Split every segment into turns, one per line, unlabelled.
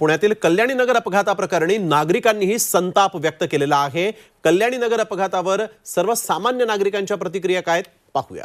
पुण्यातील कल्याणी नगर अपघाताप्रकरणी नागरिकांनीही संताप व्यक्त केलेला आहे। कल्याणी नगर अपघातावर सर्वसामान्य नागरिकांच्या प्रतिक्रिया काय पाहूया।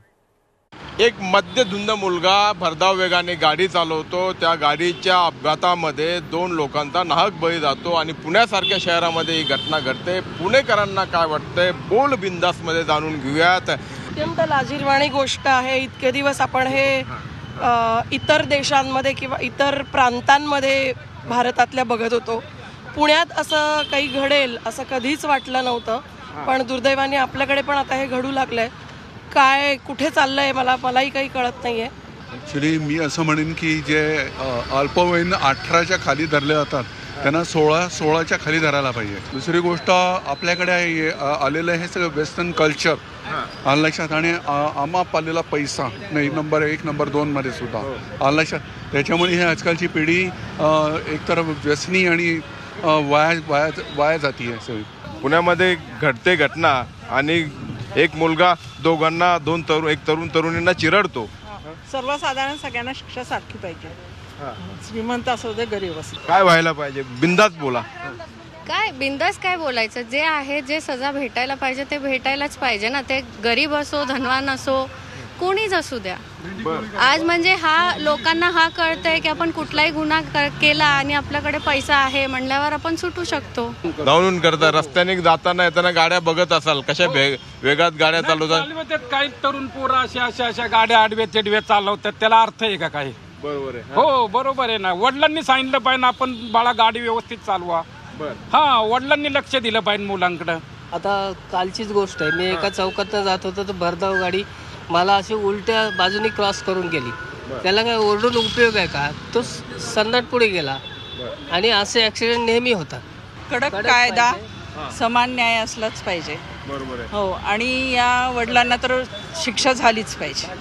एक मद्यधुंद मुलगा भरधाव वेगाने गाडी चालवतो। त्या गाडीच्या अपघातामध्ये 2 लोकांचा नाहक बळी जातो आणि पुण्यासारख्या शहरामध्ये ही घटना घडते। पुणेकरांना काय वाटतंय बोल बिंदास मध्ये जाणून घेऊयात।
अत्यंत लाजिरवाणी गोष्ट आहे। इतके दिवस आपण हे इतर देशांमध्ये किंवा इतर प्रांतांमध्ये भारतातल्या बघत होतो। पुण्यात असं काही घडेल असं कधीच वाटलं नव्हतं, पण दुर्दैवाने आपल्याकडे पण आता हे घडू लागलंय। काय कुठे चाललंय मलाही काही कळत नाहीये।
ॲक्च्युली मी असं म्हणेन की जे अल्पवयीन 18च्या खाली धरले जातात त्यांना 16च्या खाली धरायला पाहिजे। दुसरी गोष्ट आपल्याकडे आलेलं हे सगळं वेस्टर्न कल्चर आलं लक्षात आणि आमाप आलेला पैसा नाही नंबर 1 नंबर 2 मध्ये सुद्धा आलं लक्षात। त्याच्यामुळे हे आजकालची पिढी एकतर व्यसनी आणि वाया जाती आहे सगळी।
पुण्यामध्ये घडते घटना आणि एक मुलगा दोघांना एक तरुणींना चिरडतो।
सर्वसाधारण सगळ्यांना शिक्षा सारखी पाहिजे, श्रीमंत असो दे गरीब असो।
काय व्हायला पाहिजे बिंदास बोला।
काय बिंदास काय बोलायचं, जे आहे जे सजा भेटायला पाहिजे ते भेटायलाच पाहिजे ना। ते गरीब असो धनवान असो कोणीच असू द्या। आज म्हणजे लोकांना कळतंय की आपण कुठलाही गुन्हा केला आणि आपल्याकडे पैसा आहे म्हणल्यावर आपण सुटू शकतो।
धावून करता रस्त्याने जाताना येताना गाड्या बघत असाल कशा वेगात गाड्या चालवतात।
काही तरुण पोरं अशा गाड्या आडव्या तिडव्या चालवतात, त्याला अर्थ आहे का काही?
बरोबर आहे।
हो बरोबर आहे ना। वडिलांनी सांगितलं पाहिजे आपण बाळा गाडी व्यवस्थित चालवा। वडिलांनी लक्ष दिलं पाहिजे मुलांकडे।
आता कालचीच गोष्ट आहे, मी एका चौकातनं जात होतो तर भरधाव गाडी मला अशी उलट्या बाजूनी क्रॉस करून गेली। त्याला काय ओरडून उपयोग आहे का? तो सन्नाट पुढे गेला आणि असे ॲक्सिडेंट नेहमी होतात।
कडक कायदा समान न्याय असलाच पाहिजे।
बरोबर आहे।
हो, आणि या वडिलांना तर शिक्षा झालीच पाहिजे।